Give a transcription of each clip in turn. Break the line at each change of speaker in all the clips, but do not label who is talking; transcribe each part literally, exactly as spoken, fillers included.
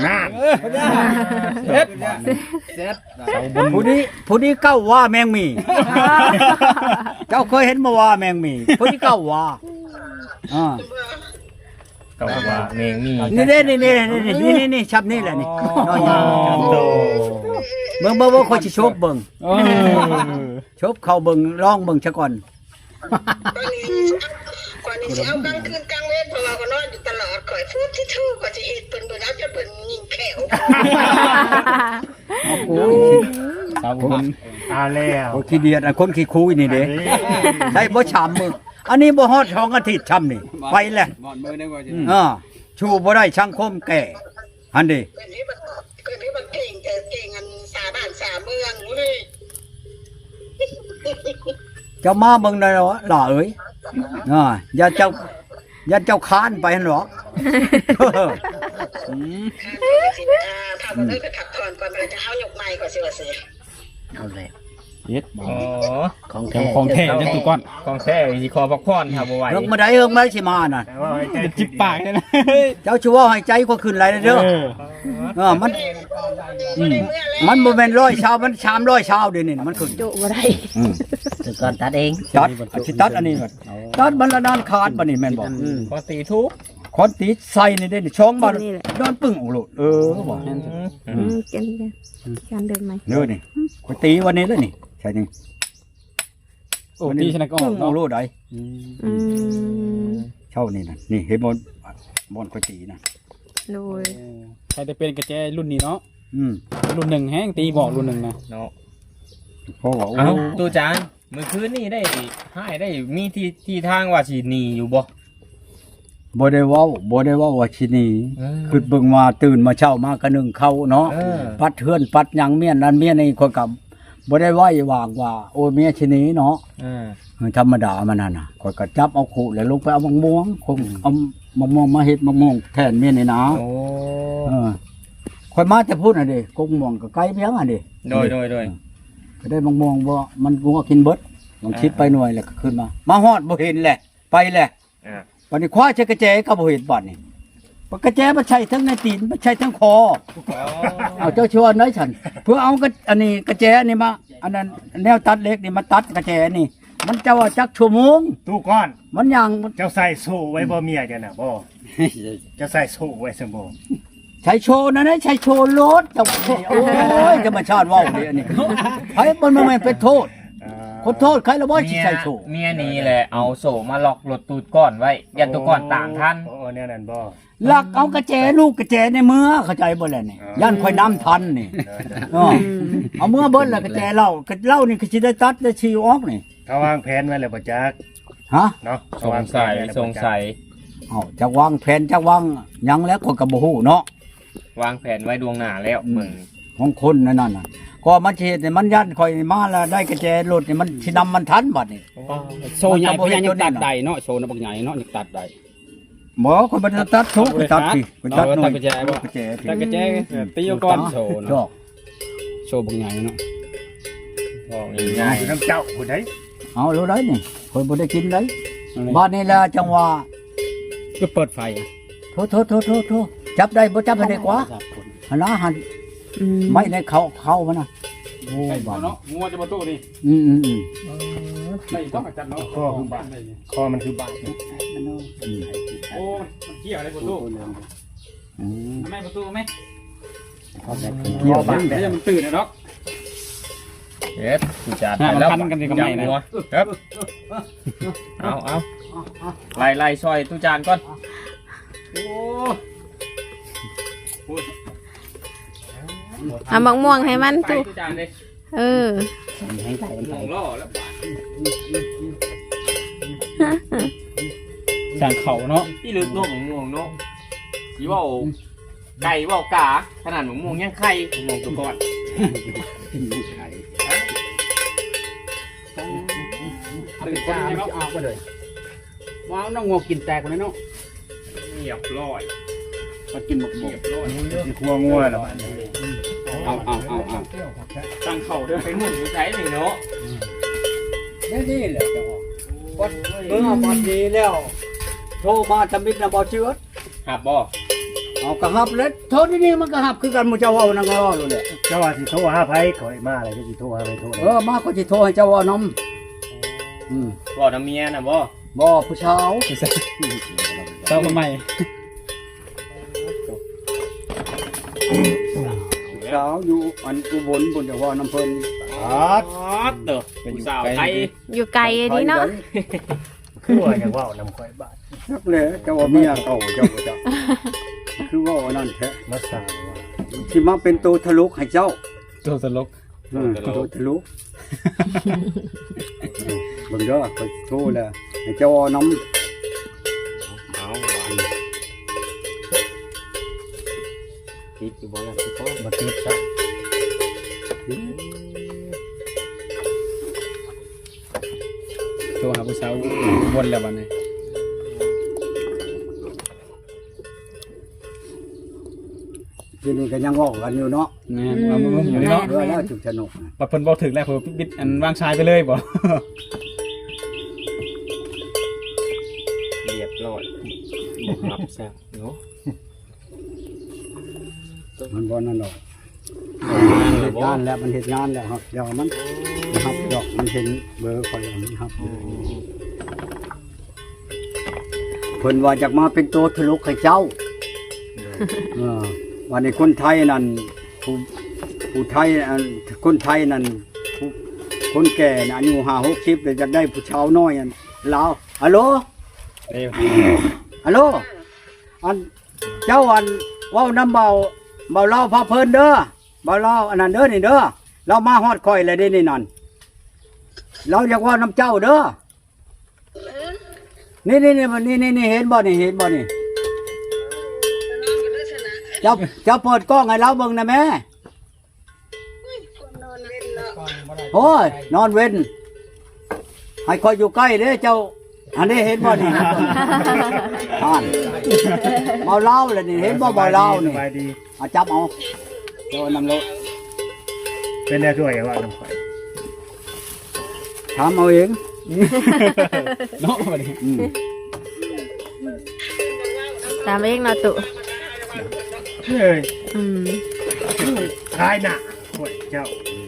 น่าเซ็ตเซ็ต
ผู้นี้ผู้นี้เก้าว่าแมงมีเจ้าเคยเห็นมาว่าแมงมีผู้นี้เก้าว่าอ่า
ก็ว่าแมงมี
นี่นี่นี่นี่นี่นี่นี่ชับนี่แหละนี่น้อยใหญ่เบิ่งเบิ่งเบิ่งคนสิชบเบิ่งชบเข้าเบิ่งลองเบิ่งซะก่อน
ก่อนนี้สิเอากลางคืนกลางเวรเพราะว่าก็นอนอยู่ตลอดข่อยพูดที่ทู่ก็สิเฮ็ดเพิ่นบ่เอาจะเพิ่นยิงแขว
เอากู
สาวคนอาแล้ว
โอ้ขี้เดียดอ่ะคนขี้คุยนี่เด้ได้บ่ชามมึงอันนี้บ่ฮอดสองอาทิตย์ช้ำนี่ไปแล้ว
บ่อนมือได้บ่จิ
อ่าชูบ่ได้สังคมแก่อันนี้
เพิ่นนี่บ่เพิ่นนี่บ่เก่งแต่เก่งอันสาบ้านสาเมืองเว้ย
เจ้ามาเบิ่งได้เหรอล่ะเอ้ยอ่าอย่าเจ้าอย่าเจ้าค้านไปหั่นหรอก
อืมสิอ่าพาบ่ได้ไปพักผ่อนก่อนเพิ่นจะเอายกไม้ก่อนสิว่าสิ
เอาเลย
เฮ็ดอ๋อ
ของแท้
ของแท้จังตุก่อนของแท้สิขอพักผ่อนครับบ่ไหว
เฮิงมาได้เฮิงมาสิมาน่ะ
จิบปากเลยนะ
เจ้าชัวให้ใจก็ขึ้นหลายเด้อเออมัน
บ่ได้เมื่อแล้ว
มันบ่แม่นร้อยชาวมันสามร้อยชาวเดี๋ยวนี้มันขึ้น
จุบ่ได้
อืม
แต่ก่อนตัดเอง
ตัดอาชิตัดอันนี้ก่อนตัดบรรณานขาดบัดนี้แม่นบ่
ขอตีทุก
คอนติใส่นี่เด้นี่ช่องบ่นอนปึ้งโอ้โลดเออบ่
อืมกันกันการเดินไหม
เด้อนี่ข่อยตีวันนี้แล้วนี่ใช่นี่
โอ้ตีชนะก็อ
ปึ้
อก
งโอ้
เนาะ
โลดได้
อืม
เช่านี่น่ะนี่เห็นบ่บ่อนข่อยตีน่ะ
โดย
ใครจะเป็นกระแจรุ่นนี้เนาะ
อืม
รุ่นหนึ่งแห้งตีบอกรุ่นหนึ่งนะ
เนาะ
เพราะว่าโอ้
เอ้าตูจานมื้อคืนนี้ได้ให้ได้มีที่ที่ทางว่าสิหนีอยู่บ่
บ่ได้เว้าบ่ได้เว้าว่าสิหนี
เออ
คือเบิ่งมาตื่นมาเช้ามาก็นึ่งข้าวเนาะ
เออ
ปัดเฮือนปัดหยังเมียนนั้นเมียนี่คนกับบ่ได้ไหว้วางว่าโอ้เมียชะนี้เนาะ
เออ
เออธรรมดามันนั่นน่ะข่อยก็จับเอาขู่แล้วลงไปเอามะม่วงคงเอามะม่วงมาเฮ็ดมะม่วงแทนเมียนี่นะ
โอ้
เออข่อยมาแต่พูดน่ะดิกงม่วงก็ไกลเพียงอ่ะดิ
โดยโดยโดย
ก็ได้มะม่วงบ่มันงัวกินเบิดลองคิดไปหน่วยแล้วก็ขึ้นมา มาฮอดบ่เห็นแหละไปแหละ
อ่า
วันนี้คว้าใช้กระแจก็บ่เห็นบัดนี่ปกระแจมันใช้ทั้งในตีนมันใช้ทั้งคอ เอาเจ้าชวนน้อยฉัน เพื่อเอากระอันนี้กระแจนี่มาอันนั้นแนวตัดเล็กนี่มาตัดกระแจนี่ มันจะว่าจักชั่วโมง
ตู้ก้อน
มันยัง
เจ้าใส่โซ่ไว้บ่เมียจ้ะน่ะบ่เจะใส่โซ่ไว้ซั่นบ่
ใช้โชว์นะนะใช้โชว์รถจังโอ้ยจะมาชาติว่าวนี่อันนี้ไอ้มันมันเป็นโทษ
อ่า
คนโทษใครละบ่สิ
เมีย
ใช้โชว์
เมียนี่แหละเอาโซ่มาล็อกรถตูดก้อนไว้ยันตัวก้อนต่างทัน
โอ้แนวนั้นบ่
หลักเอากระแจลูกกระแจในมือเข้าใจบ่แล่ะนี่ย่านค่อยน้ำทันนี่เออเอามือเบิ้ลแล้วกระแจเหล้ากระเหล้านี่ก็สิได้ตัดได้ชิวออกนี่
เขาวางแผนไว้แล้วบ่จัก
ฮะ
เนาะ
สงสัยสงสัย
เอาจะวางแผนจะวางหยังแล้วคนก็บ่ฮู้เนาะ
วางแผนไว้ดวงหน้าแล้วเบิ่ง
ของคนนั่นน่ะก็มันสิเฮ็ดให้มันยันค่อยมาแล้วได้กระแจรถนี่มันสินำมันทันบัดนี่
โชว์ใหญ่เพราะยังตัดใดเนาะโชว์นะบักใหญ่เนาะยังตัดใด
หมอคนบ่ได้ตัดทุกตัดพี่ตัดหน่อย
ตัดกระแจบ่
กระแจพี่
ตัดกระแจตีเอาก่อนโชว์
ดอ
เนาะ
ก
โชว์บักใหญ่เนาะ
บอก
ง่า
ง่าย ย
อยู่น้ำเจ้าผู้ใด
เอารู้ได้นี่คนบ่ได้กินได้บ้านนี้ละจังหวะ
ก็เปิดไฟ
โทษโทษโทษโทษโทษจับได้บ่จับให้ได้กว่าหั่นนะหั่น
อืม
ไม่ในเขาเข้ามันน่ะโอ้
ไอ้
บ้าน
เนาะงัวจะมาตู้นี่
อืมอืมอืม
ไม่ต้องจัดเนาะ
คอคือบาดคอมันคือบาด
โอ้มันเกี่ยวอะไรประตู
อืม
ไม่ประตูไหม
เกี่ยวบ้าน
ไม่ใช่มันตื่นนะเนาะ
เฮ็ดตูจาน
อ่ะมัน
แล้ว
พันกันดีกว่าไหมนะ
ครับเอาเอาไล่ไล่ซอยตูจานก่อน
โอ้
เอาบักม่วงให้มัน
ไป
ตุ
ตูจานเลย
เออ
ให้ไก่มัน
ห
ไป
ลงล่อแล้ว
จางเข่าเนาะ
ที่ลึกโน้มม่วงโน้สีว่าไก่ว่ากาขนาดหมูม่วงยังไข่หมูตัวก่อน
ตื่นจ้าไม่ออกมาเลยว้าวน้องงัวกินแตกเลยเนาะ
เงียบร้อย
มากินหมกหม
เงี
ก
ยบร้อย
ครัวงัวแล้ว
เอาเอาเอาเอาตั้งเข่าด้วย
เป็นหมุนใช้หนึ่งเนาะ
นี่นี่แหละจังหวะวัดเมื่อวันนี้แล้วโทรมาทำมิตรนะบ่เชื่อ
หับบ่
โเอากระหับแล้วโทษนี่มันกระหับคือกันหมู่เจ้าเว้านั่นก็เว้าเลย
เจ้าว่าสิโทรหาไผข่อยมาอะไรก็สิโทรหาไผโทร
เออมาก็สิโทรให้เจ้าเว้านำอืม
บอกน้ำเมียน่ะบ่
บ่ผู้ชาว
เจ้าทำไม
ผู้ชาวอยู่อันอุบลบนจะเว้านำเพิ่น
อ๋อ
อ๋อเด้อผู้สาวไทย
อยู่ไกลดีเนาะ
คือว่าอย่างว่านำข่อยบาด
นักเลยเจ้าว่าเมียเก่าเจ้าบ่เจ้าคือว่าอันนั้นแท้
มาสร้างว่า
ที่มาเป็นตัวทะลุให้เจ้า
ตัวตลก
เออตัวทะลุเบิ่งเด้อก็โทรแล้วให้เจ้าเอานำ
เอาคิดอยู่บ่ล่ะสิพ่อ
มาติดซะ
ตัวหาผู้สาววนแล้ววันนี้
ทีนี้ก็ยังเว้ากันอยู่เนาะ
แม่นว่ามึงอยู่นี่เนาะ
เพื่อแล้วจุดสนุกนะ
ว่าเพิ่นบ่ถึงแล้วเพิ่นบิดอันวางชายไปเลยบ่
เรียบร้อยบ่รับแซ่บเนาะ
มันบ่นั่นดอก
นั่น
เห
ล่ะ
ตุ
บ่
งานแล้วมันเหตุงานแล้วครับเดี๋ยวมันนะครับดอกมันเห็นเบอร์คอยแล้วมันครับเพิ่นว่าจากมาเป็นตัวทะลุให้เจ้าเออวันนี้คนไทยนั่นผู้ผู้ไทยอันคนไทยนั่นผู้คนแก่น่ะอายุห้าหกสิบเลยจะได้ผู้ชาวน้อยอันลาวฮัลโหล
เอ้ย
ฮัลโหลอันเจ้าอันเว้าน้ำเบาเบาเล่าพาเพลินเด้อเบาเล่าอันนั้นเด้อนี่เด้อเรามาฮอดคอยเลยได้นี่นั่นเราอยากเว่าน้ำเจ้าเด้อนี่นี่นี่นี่นี่นี่เห็นบ่นี่เห็นบ่นี่เจ้าเจ้าเปิดกล้องให้เราเบิ่งนะแม่
นอนเล่นเนาะ
โอ้ยนอนเว้นให้คอยอยู่ใกล้เด้อเจ้าอันนี้เห็นบ่นี่อ่านเบาเล่าเลยนี่เห็นบ่เบาเล่านี่
สบายดี
เอาจับเอาโดนนำรถ
เป็นแน่ช่วยอย่างว่านำข่อย
ถามเอาเอง
เนาะบัดนี้
อืม
ตามเองเนาะตุ
เฮ้ย
อืม
ทายหน้าข่อยเจ้า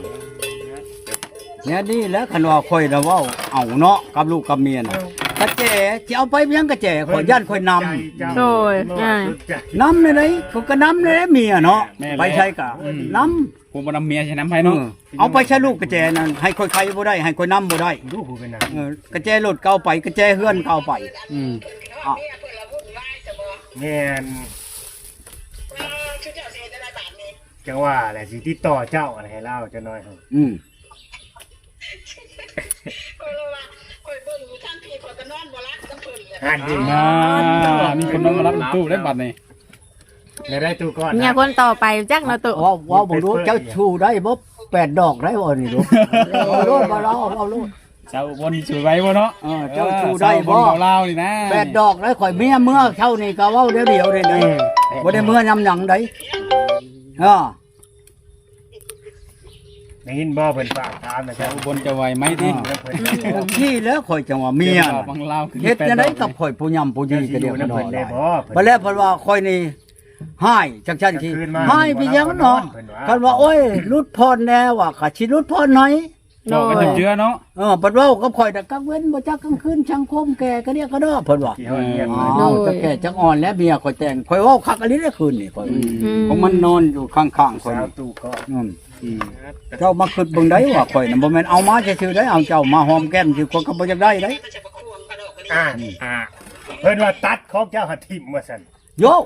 เนี่ยนี่แหล้วคันว่าข่อยน่ะเว้าเอาเนาะกับลูกกับเมียน่ะกระแจสิเอาไปเพียงกระแจข่อยย่านข่อยนำ
โดยง่าย
นำในไหนก็ก็นำในเมียเนาะไปใช้กะนำ
ผมบ่นำเมียใช่น้ำไผ
เอ
เนาะ
อเอาไปใช้ลูกกระแจนั่นให้ข่อยใครบ่ได้ให้ข่อยนำบ่ได้
ดูผู้เป็นหนัง
เออกระแจรถเก่าไปกระแจเฮือนเก่าไป
อืม
อ้าว
เนี่ยเพิ่นละวุ่นวายซะบ่
แม่น
เออชุดเจ้าสิเฮ็ดอะไรบาดนี้
จังว่าแหละสิติดต่อเจ้าอะไรให้เล่าจะน้อยครับ
อืม
ก็เลยว่าข่อยเบิ่งอยู่ทางพี่ข่อยก็นอนบ่หลับกับเพิ่นเลย
อ่านดี
อ่ามีคนนอนมารับตู้ได้บัดนี้
ไม่ได้ตู้ก้อน
เนี่ยคนต่อไปจักเนาะตุ
ว่าว่าบ่รู้เจ้าชูได้บ่แปดดอกได้บ่นี่ลูกเอาโลดบ่เราเอาโลด
เจ้าบนสวยไว้บ่เนาะ
เออเจ้าชูได้บ่
เจ้าบนเบาลาวนี่นะ
แปดดอกได้ข่อยเมียเมื่อเท่านี้ก็เว้าเดียวเดียวเลยนะบ่ได้เมื่อยำหยังได้เออ
ได้ยินบ่เพิ่นฝากถามนะครั
เจ้า
บบ
นจะไหวไหมติ
แล้วเพิ่น
ที่แล้วข่อยจังว่าเมีย
จ้า
น่ะ
บางลาวคือ
เฮ็ดจังได๋
แป
กับข่อยผู้ยำผู้ดีก็
จะ
เดี
อย
ว
ยู่
กัน
นำ
ดอ
เพิ่
ก
น
ห
ได้
ลาย
บ่
บัดแล้วเพิ่นว่าข่อยนี่ให้จังซั่นสิให้พี่ยังเนาะเพิ่นว่าโอ้ยรุดพรแน่ว่าข้าสิรุดพรหน่อย
โด
บอกกัน
ย
ถึงเจือเนาะ
เออบัดเว้ากับข่อยน่ะกังเว้นบ่จักกลางคืนช่างคมแก่ก็เรียกก็ดอเพิ่นว่า
ที่เฮาเรียน
อ๋
มา
อจะแก่จังอ่อนแล้วเมียข่อยแต่งข่อยเว้าคักอันนี้ได้คืนนี่ข่อย
อืม
ของมันนอนอยู่ข้างๆข่อย
สาว
นี่
ตู้ก้อน
อืมเจ้ามาคิดเบิ่งได้ว่าข่อยน่ะบ่แม่นเอามาซื่อๆได้เอาเจ้ามาหอมแก้มสิคนก็บ่อยากได้ได้
ก็จะประควงกระดอกกระ
อ่า
ดิ่ง
อ่าเพิ่นว่าตัดของเจ้าหัดทิ่มว่าซั่น
โย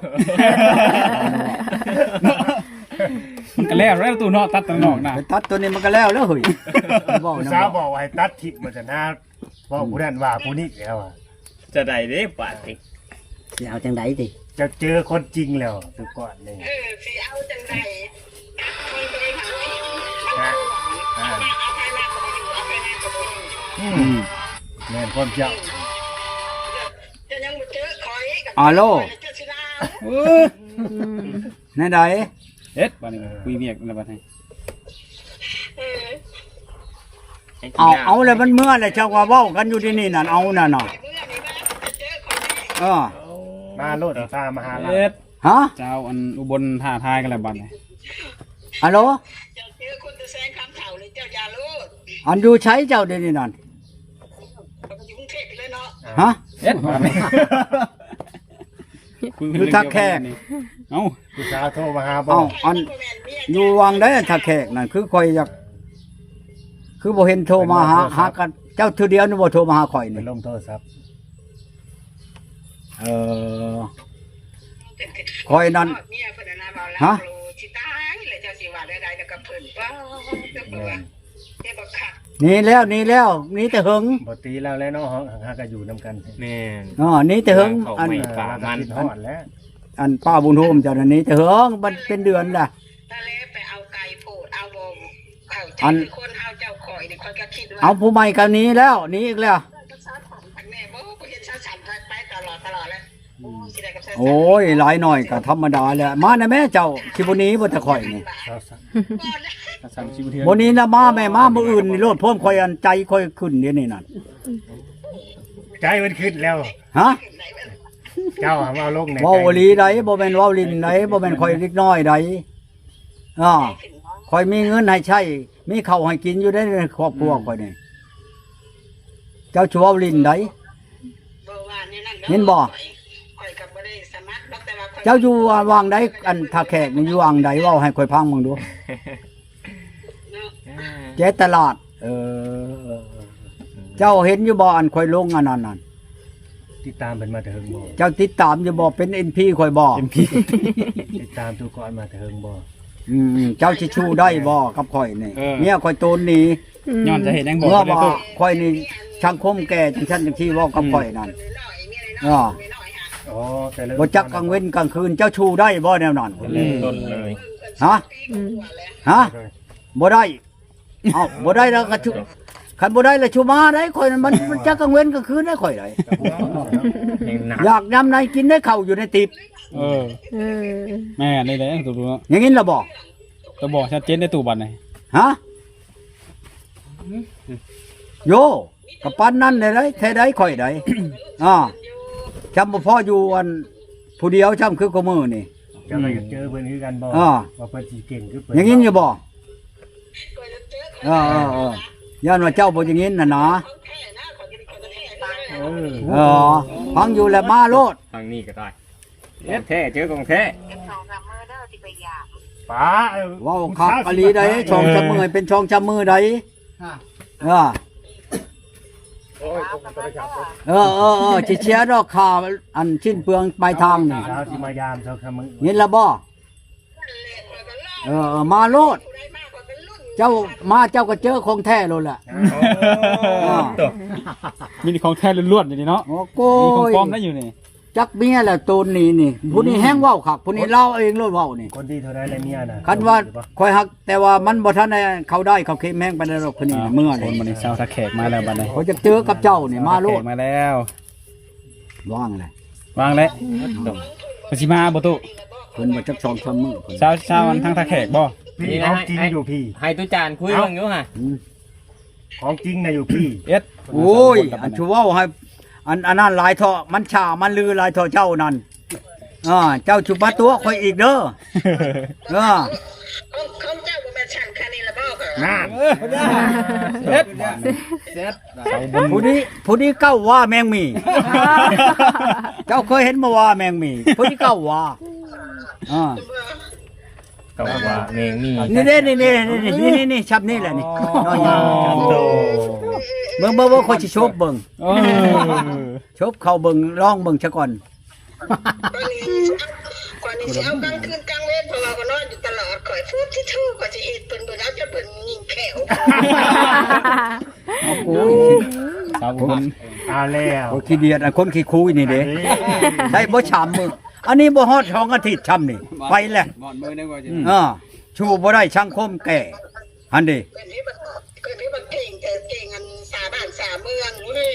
มันก็แล้วแล้วตู้เนาะตัดตังนอกนะ
ไปตัดตัวนี้มันก็แล้วแล้วเฮ้ยบอก
ผู้
นะ
สาวบอกว่าให้ตัดทิ่มว่าซั่นนะเว่าผู้นั้นว่าผู้นี้แล้วอะ
จะได้เด้บาดนี้
สิเอาจังไดติ
จะเจอคนจริงแล้วตู้ก้อนนี่
เออสิเอาจังไดคนไปหา
นะอ่า
เอาไปหน้าก็บ่อยู่เอาไปหน้าก็บ่อยู่
อืมแม่นความเจ้า
จะยังบ่เจอคอยกับ
อาโล
เจอสิลา
เออ
อืม
แน่ใด
เฮ็ดบัดนี้คุยเมียกันแล้วบัดนี้
เออ
เอาเอาแล้วมันเมื่อแล้วเจ้าว่าเว้ากันอยู่ที่นี่นั่นเอานั่นน่ะ
เมื่อนี้นะจะเจอคอย
เออ
มาโลดตามมาหาเรา
เฮ็ด
ฮะ
เจ้าอันอุบลท่าทายกันแล้วบัดนี้
ฮัลโหล
เจ้าเจอคนจะแซงคำเถ่าเลยเจ้ายาลูก
อันอยู่ใช้เจ้าเดี๋ยวนี้นั่น
เราก็อยู่กรุงเทพไปเลยเนาะ
ฮะ
เอ็ด
อยู่ทักแขก
เอ้า
ผู้สาวโทรมาหาบ่
เอ้าอันอยู่วังได้ทักแขกนั่นคือข่อยอยากคือบ่เห็นโทรมาหาหากันเจ้าเทื่อเดียวนี่บ่โทรมาหาข่อย
ไป
นี่
ลงโทรศัพท์
เออ ข่อยนั่น
เนี่ยเพิ่นน่ะเว้าแล้ว
ฮะ
สิตายแล้วเจ้าสิว่าได้ๆแล้วก็เพิ่นเว้าเจ้าเพิ่นว่าเจ้าบ่คัก
หนี่แล้วหนี่แล้วหนี่แต่หึง
บ่ตีแล้วแล้วเนาะหาก็อยู่นํกัน
แม่น
อ๋อหนี่แต่หึงอัน
ไม่
ป่ามันฮอดแล้ว
อันป้าบุญโฮมเจ้านั่นหนี่แต่หึงมันเป็นเดือนล่ะ
ตาเลไปเอาไก่โพดเอาบ่เข้าใจ
อัน
คนเฮาเจ้าข่อยนี่ข่อยก็คิดว่า
เอาผู้ใหม่กันนี้แล้วหนี่อีกแล้ว
แม่บ่บ่เห็นชาฉันไปตลอดตลอดเลยโอ้สิได้กับชาฉัน
โอ้ยหลายหน่อยก็ธรรมดาแหละมานะแม่เจ้าสิบ่หนี้บ่แต่ข่อยนี่
สาวสัก
กระสันชิวเทือน
บ่หนี้นะมาแม่มามื้ออื่นนี่โลดพ่วมข่อยอันใจข่อยขึ้นเดี๋ยวนี้นั่น
ใจมันขึ้นแล้ว
ฮะ
เจ้าหามาเอาลงใน
เว้าอีหลีใดบ่แม่นเว้าลิ้นใดบ่แม่นข่อยเล็กน้อยใดอ้อข่อยมีเงินให้ใช้มีข้าวให้กินอยู่ได้ในครอบครัวข่อยนี่เจ้าชัวเว้าลิ้นใด
บ่ว่าแนวนั้นด้อ
เห็นบ่
ข่อยก็บ่ได้สมัครดอกแต่ว่าข่อย
เจ้าอยู่วางใดอันถ้าแขกนี่อยู่วางใดเว้าให้ข่อยฟังมึงดู
เนาะ
เจ๊ตลาด เออ เจ้าเห็นอยู่บ่อันข่อยลงอันนั้นนั่น
ติดตามเพิ่นมาแต่เฮิงบ่
เจ้าติดตามอยู่บ่เป็น เอ็น พี ข่อยบ่
ติดตามทุกคนมาแต่เฮิงบ่
อืมเจ้าสิชูได้บ่กับข่อยนี่เมียข่อยโตนหนี
ย้อนจะเห็นยังบอก
เมื่อ
ได้
ว่า
ตู้
ข่อยนี่สังคมแก่จังซั่นจังซี่เว้ากับข่อยนั่น
น้อยๆมีอะไร
อ่า
น้อยๆหา
อ๋อแต่ละ
บ่จักกลางเว้นกลางคืนเจ้าชูได้บ่แนวนั้น
ต้นเลย
ฮะ
อืม
ฮะบ่ได้เอ้าบ่ได้แล้วก็ชูคันบ่ได้แล้วชูมาได้ข่อยนั่นมันมันจักกลางเว้นกลางคืนได้ข่อยได้
เพลงหนัก
อยากยามใดกินได้ข้าวอยู่ในติบ
เออ
เออ
แม่นี่แหละตัวตัว
อย่างนี้ล่ะบ่
ตัวบอกชัดเจนได้ตู้บัดนี่
ฮะโยกับปั้นนั่นได้ไรแท้ได้ข่อยได้ อ่าจำบ่พออยู่อันผู้เดียวจำคือกูมือนี่
เจ้าก็อยากเจอเพิ่นคือกันบ่
อ่า
ว่าเพิ่นสิเก่งคือเพิ่น
อย่างนี้อยู่บ่
ข่อยจะเจอข่อย
เออเออเออย่านว่าเจ้าบ่อย่างนี้น่ะนะ
ของแท้นะข่อยจะข่อยจะแท้ตาย
เออ
เออฟังอยู่แล้วมาโลด
ทางนี้ก็ได้ของแท้เจอของแท้
สองสามมื้อเด้อสิไปยาม
ป้าเออ
เว้าคักอลีได้ช่องจำมือให้เป็นช่องจำมือได้เออเออเออเออสิเชียร์ดอกข่าวอันชิ้นเปลืองปลายทางนี่
สาวสิมายามเจ้าคำมึง
เห็นแล้วบ่เออเออมาโลด
ได้มากกว่าเป็นรุ่น
เจ้ามาเจ้าก็เจอของแท้โลดแหละ
ตัว
มีของแท้ล้วนๆอยู่นี่เนาะ
โอ้โก
มีของ
ย
ปลอมได้อยู่นี่
จักเมียแหละตูนนี่นี่ผู้นี้แห้งเว้าคักผู้นี้เล่าเองโลดเว้านี่
คนที่เท่าไรและเมียน่ะ
คันว่าคอยฮักแต่ว่ามันบ่ทันได้เขาได้เขาเค็มแห้งไปแล้วหรอกผู้นี้น่ะเมื่อ
ค
นี่
นบัดนี้ชาวทักแขกมาแล้วบัดนี้
เขาจะเจอกับเจ้านี่มาโล
แข
ด
กมาแล้ว
ว่างเลย
วางแล้วปสิมาบ่ตู้
เพิ่นบ่จักสองสามมื้อเพิ่น
ชาวชาวอันทางทักแขกบ่
พี่ของจริงอยู่พี่
ให้ตุจานคุยบ้างอยู่ฮะ
อืม
ของจริงน่ะอยู่พี่
เอ็ด
โอ้ยอันชูเว้าให้อันอันนั้นหลายเถาะมันชามันลือหลายเถาะเจ้านั่นอ่าเจ้าชุบมาตัวข่อยอีกเด้อเออ
ของของเจ้าบ่แม่นช่างคันนี้ละบ่เหรอ
น่า
เอ็ด
ผู้นี้ผู้นี้เก้าว่าแมงมี เจ้าเคยเห็นบ่ว่าแมงมีผู้นี้เก้าว่าอ่า
ก็ว่าเมงมี
นี่เด้นี่นี่นี่นี่นี่นี่ชับนี่แหละนี่น้อยๆ
โต
เบิ่งเบิ่งว่าข่อยสิชบเบิ่ง
เออ
ชบเข้าเบิ่งลองเบิ่งซะก่อน
ก่อนนี้สิเอากลางคืนกลางเวรเพราะว่าก็นอนอยู่ตลอดข่อยพูดที่ทู่ก็สิเฮ็ดเพิ่นเบิ่นเอาจะเพิ่นยิงแขว
เอากู
ชาวคน
เอาแล้ว
โอ้ขี้เดียดอันคนขี้คุยนี่เด้ได้บ่ชามมื้ออันนี้บ่ฮอดสองอาทิตย์ช้ำนี่ไปแล้ว
บ่อนมือนึงว่าสิ
อ่าชูบ่ได้สังคมแก่อันนี้
เพิ่นนี่บ่เพิ่นนี่บ่เก่งแต่เก่งอันสาบ้านสาเมืองเว้ย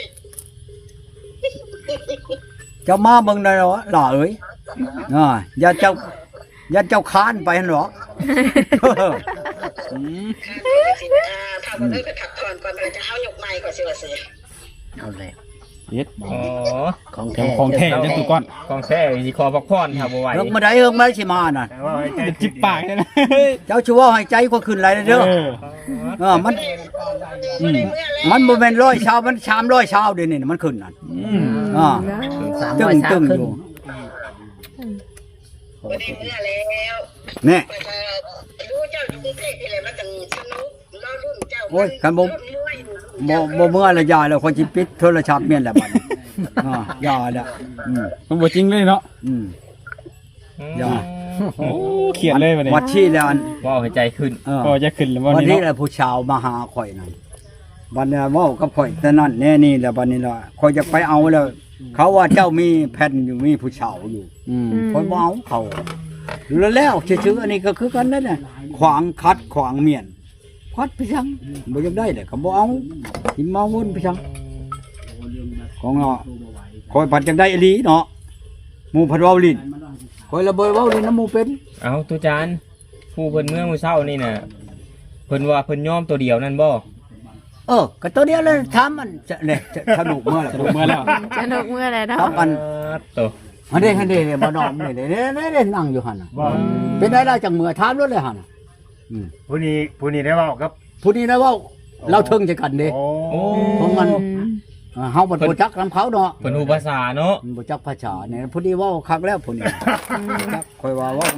เจ้ามาเบิ่งได้เหรอล่ะเอ้ยอ่าอย่าเจ้าอย่าเจ้าค้านไปหั่นหรอก
อืม
สิอ่าถ้าบ่ได้ไปพักผ่อนก่อนเราจะเอายกไม้ก่อนสิว่าสิ
เอาเลย
เฮ็ด
อ๋อ
ของแท้
ของแท้จังตุก้อน
ของแท้สิขอพักผ่อนครับบ่ไหว
เฮิงมาได้เฮิงมาสิมาน่ะ
แต่ว่าให้ใจ
จะจิบปากเลยนะ
เจ้าชัวให้ใจก็ขึ้นหลายเด้อ
เออ
เออมันอืมมันบ่แม่นร้อยชาวมันสามร้อยชาวเดี๋ยวนี้น่ะมันขึ้นนั่น
อืม
อ่า
สาม
ตึ
ร้อย
ง
สา
ตึ
ม
ง
ขึ้
อน ยู่
บ่ได้เมื่อแล้ว
แน่
ก็จะรู้เจ้าอยู่กรุงเทพนี่แหละมันจังสนุกรอรุ่นเจ้า
โอ้ยคันบ่
รุ่นมวยอยู่
บ่บ่เมื่อละยาแล้วคนสิปิดโทรศัพท์เมียนแล้วบัดนี้อ่ายาแล้วอืม
มันบ่จริงเลยเนาะ
อืม อย่า
โอ้เขียนเลยบัดนี้
วัดชี้แล้วอัน
ว้าวให้ใจขึ้น
เออ
ก็จะขึ้นแล้ววัน
วัน
นี้
นี้
เนาะ
แหละผู้ชาวมาหาข่อยนั่นวันนี้เว้ากับข่อยแต่นั่นแน่นี่แหละวันนี้ล่ะข่อยจะไปเอาแล้ว เขาว่าเจ้ามีแผ่นอยู่มีผู้ชาวอยู่
อืม
ข่อยบ่เอาเขาแล้วแล้วชื่อๆอันนี้ก็คือกันนั่นน่ะขวางคัดขวางเมียนคัดไปจังบ่อยากได้เลยก็บ่เอาสิมาวนไปจังของเนาะข่อยผัดจังได้อีหลีเนาะหมู่ผัดเว้าลิ้นข่อยระเบิดเว้าลิ้นน้ำหมู่เป็น
เอาตุจานผู้เพิ่นเมื่อมื้อเช้านี่น่ะเพิ่นว่าเพิ่นยอมตัวเดียวนั่นบ่
เออก็ตัวเดียวเลยถามมันจะเนี่ยจะสนุกเมื่อไหร่
สรุปเมื่อแล้ว
สนุกเมื่อไรเนาะ
ครับอัน
ตัว
อันนี้อันนี้เนี่ยบ่นอมนี่เนี่ยเนี่ยเนี่ยนั่งอยู่หั่นน่ะ
ว่า
เป็นได้ล่ะจังเมื่อถามรถเลยหั่นน่ะอืม
ผู้นี้ผู้นี้ได้เว้ากับ
ผู้นี้นะเว่าเราเทิงจะกันเด้
โอ้
โอ้
ของมัน อ่าเฮาบ่รู้จักนํเขาเนาะ
เพิ่นฮู้ภาษาเนาะ
มันบ่จักภาษาเนี่ยผู้นี้เว้าคักแล้วผู้นี้จักค่อยว่าเว้า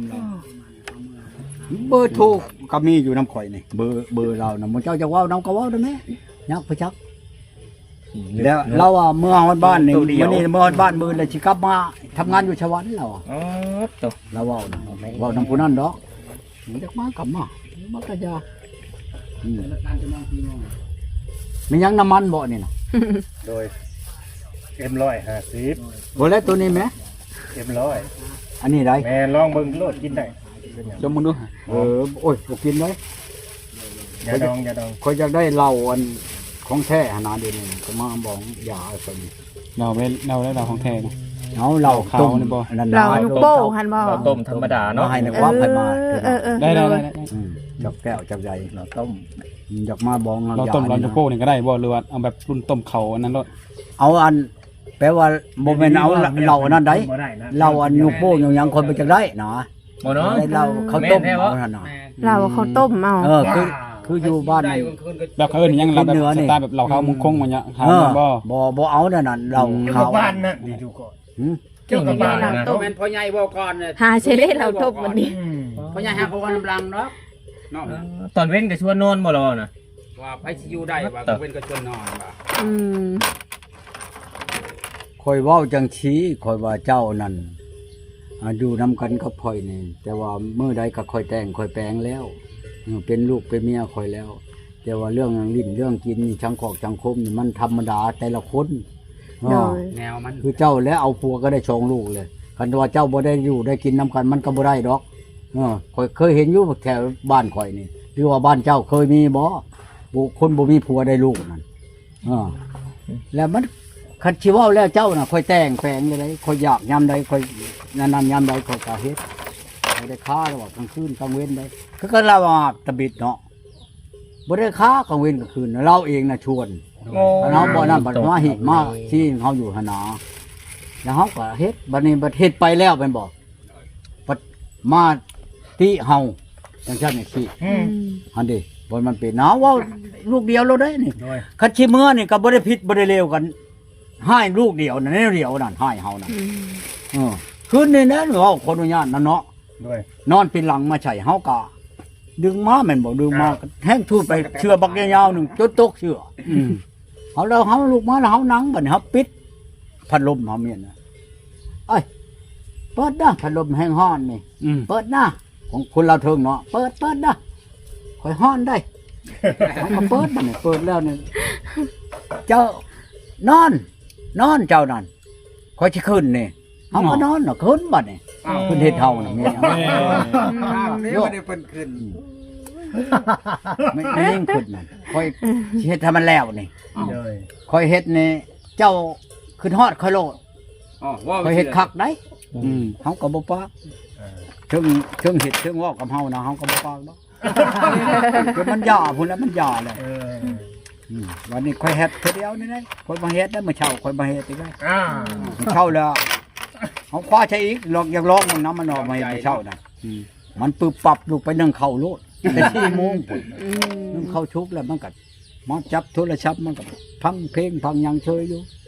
เบอร์โทรก็มีอยู่นํข่อยนี่เบอร์เบอร์เราน่ะมันเจ้าจะเว้านํก็เว้าได้แม่ยักไปจักแล้วเราอ่ะเมื่อฮอดบ้านนี่มื้อนี้เมื่อฮอดบ้านมื้อแล้วสิกลับมาทำงานอยู่ชวันเราอะ
อ๋อตัว
เราเว้านะเว้านำผู้นั้นดอกมันจักมากลับมามันก็จะอืมมียังน้ำมันบ่นี่น่ะ
โดยเอ็มร้อยห้าสิบ
บ่แล้วตัวนี้แหม
เอ็มร้อย
อันนี้ได้
แม่ลองเบิ่งโลดกินได้
จมมึงดูเออโอ้ยบ่กินเลย
อย่าดองอย่าดอง
ข่อยอยากได้เหล้าอันของแท้หนาเดี๋ยวนี้ก็มาบอกอย่าเอาซั่น
เราไปเราได้เราของแท้นะ
เอาเหล้า
ขาว
ต้ม
นี่บ่
อันนั้น
เรา
นะ
นุกโป้หันบ่
เราต้มธรรมดาเนาะ
มาให้ในความให้มา
เออเออเออ
ได้ได้ได้ได้
อืมจับแก้วจับใหญ่เราต้มอยากมาบอง
เราต้มเราจะโก้นี่ก็ได้บ่หรือว่าเอาแบบรุ่นต้มเขาอันนั้นเนาะ
เอาอันแปลว่าบ่แม่นเอาเหล้าอันนั้นได้
บ่ได้นะ
เหล้าอันยูโป้ยังยังคนไปจักได้นะ
บ่เนาะ
ได้เหล้าข้าวต้ม
แม่นแท้บ่
เอานั่นน่ะ
เราเขาต้มเอา
เออคือคืออยู่บ้านนี่
แบบเขาเอิ้นหยังเราแบบ
กินเนื้อ
ส
นี่
ไตล์แบบเราเขามุงคงมันเนี่ยหา
เออ
บ่
บ่บ่เอานั่นน่ะเหล้า
เจ้า
ขาว
บ้านนั่นดีอยู่ก่อน
หืม
เจ้ากับบ้านนะ
ต้มแม่นพ่อใหญ่บ่ก่อนเนี่ย
หาเชเล่เราต้มวันนี้
พ่อใหญ่หาเขาว่าน้ำลังเนาะเนาะ
ตอนเว้นก็ชวนนอนบ่รอน่ะ
ว่าไผสิอยู่ได้ว่าเว้นก็จนนอนว่า
อืม
คอยเว้าจังชี้คอยว่าเจ้านั่นอ่าอยู่นํกันกับข่อยนี่แต่ว่ามื้อใดก็ค่อยแต่งค่อยแปลงแล้วเออเป็นลูกเป็นเมียข่อยแล้ว แต่ว่าเรื่องลิ้นเรื่องกินนี่ชังขอกชังคมนี่มันธรรมดาแต่ละคน
โด
อ่า
ย
แนวมัน
คือเจ้าแล้วเอาผัวก็ได้ชองลูกเลยคันว่าเจ้าบ่ได้อยู่ได้กินน้ำกันมันก็บ่ได้ดอกเออข่อยเคยเห็นอยู่แถวบ้านข่อยนี่หรือว่าบ้านเจ้าเคยมีบ่บุคนบ่มีผัวได้ลูกนั่นเออแล้วมันคันสิเว้าแล้วเจ้าน่ะค่อยแต่งแปลงเลยค่อยอยากยามใดค่อยนั่นๆยามใดค่อยก็เฮ็ดบ่ได้ค้าแล้วว่ากลางคืนกลางเว้นได้คือก็เราว่าตะบิดเนาะบ่ได้ค้ากลางเว้นกลางคืนเราเองน่ะชวน
โอ้
เนาะบ่นั่นบัดมาหิมาที่เฮาอยู่หนนาแล้วเฮาก็เฮ็ดบัดนี้บัดเฮ็ดไปแล้วแม่นบ่บัดมาติเฮาจังซั่นนี่สิ
อืม
อันนี้บ่มันเป็นหนาวว่าลูกเดียวเราได้นี่
โดย
คันสิเมื่อนี่ก็บ่ได้ผิดบ่ได้เลวกันให้ลูกเดียวนั่นแนวเดียวนั่นให้เฮานั่น
อืม
เออคืนนี้นะเฮาขออนุญาตนั่นเนาะ
โดย
นอนเป็นหลังมาใช่เฮาก็ดึงมาแม่นบ่ดึงมาแห้งทูดไปเชือบักยาวๆหนึงจนตกเชืออืม เอาแล้วเขาลูกมาแล้วเขานั่งบัดนี้เขาปิดพัดลมเขาเมียนนะเอ้ยเปิดนะพัดลมแห้งห้อนนี่
อืม
เปิดนะของคนเราเทิงเนาะเปิดเปิดนะคอยห้อนได้เขาก็เปิดบัดนี้เปิดแล้วนี่เจ้านอน นอนเจ้านั่นคอยจะขึ้นนี่เขาก็นอนเนาะขึ้นบัดนี่ขึ้นเฮ็ดเท่าน่ะเมีย
เอ้ย
โยกได้เพิ่นขึ้นไม่ไม่ยิ่งขึ้นนั่นคอยสิเฮ็ดให้มันแล้วนี่
โดย
คอยเฮ็ดนี่เจ้าขึ้นฮอดคอยโลด
อ๋อว่า
คอยเฮ็ดคักได้อืมเฮาก็บ่ปากถึงถึงเฮ็ดถึงเว้ากับเฮานะเฮาก็บ่ปากดอกจนมันย่าพุ่นแล้วมันย่าแล้ว
เออ
อืมวันนี้ค่อยเฮ็ดเทื่อเดียวนี่นะค่อยมาเฮ็ดแล้วมื้อเช้าค่อยมาเฮ็ดอีกแล้ว
อ่า
มื้อเช้าแล้วเฮาคว้าใช้อีกลองอยากลองมันน้ำมันออกมาเฮ็ดมื้อเช้าน่ะมันปึบปับลูกไปนึ่งข้าวโลดแต่สี่โมงพุ่น
อืม
นึ่งข้าวชุบแล้วมันก็มาจับโทรศัพท์มันก็พังเพลงพังหยังเชยอยู่